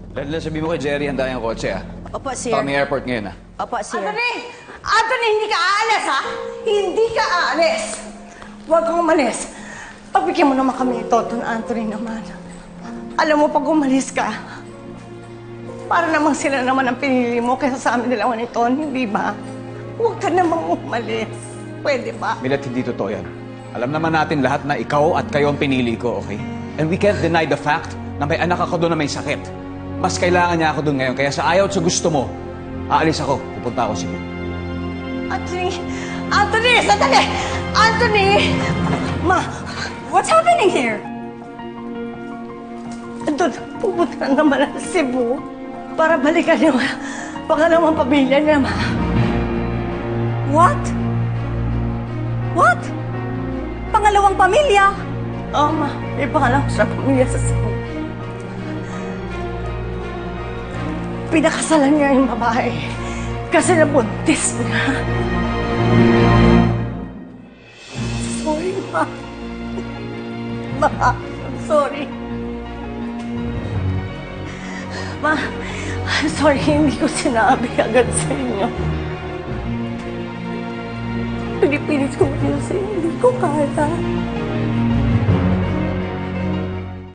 Dahil sabi mo kay Jerry, handa yung kotse, ah. Opo, sir. Kami airport ngayon, ah. Opo, sir. Anthony! Anthony, hindi ka aalis, ha? Hindi ka aalis! Huwag kang umalis. Pagbigyan mo naman kami ito, Don Anthony naman. Alam mo, pag umalis ka, para namang sila naman ang pinili mo kaysa sa amin dalawa ni Ton, hindi ba? Huwag ka namang umalis. Pwede ba? Milet, hindi totoo yan. Alam naman natin lahat na ikaw at kayo ang pinili ko, okay? And we can't deny the fact na may anak ako doon na may sakit. Mas kailangan niya ako doon ngayon. Kaya sa ayaw at sa gusto mo, aalis ako. Pupunta ako Cebu. Anthony! Anthony! Sandali! Anthony! Ma! What's happening here? Doon, pupunta na naman ang Cebu para balikan yung pangalawang pamilya niya, ma. What? What? Pangalawang pamilya? Oo, ma. May pangalawang siya pamilya sa Cebu. Pinakasalan niya yung babae kasi nabuntis niya. Sorry, ma. Ma, I'm sorry. Ma, I'm sorry, hindi ko sinabi agad sa inyo. Pinipilit ko yun sa inyo, hindi ko kaya.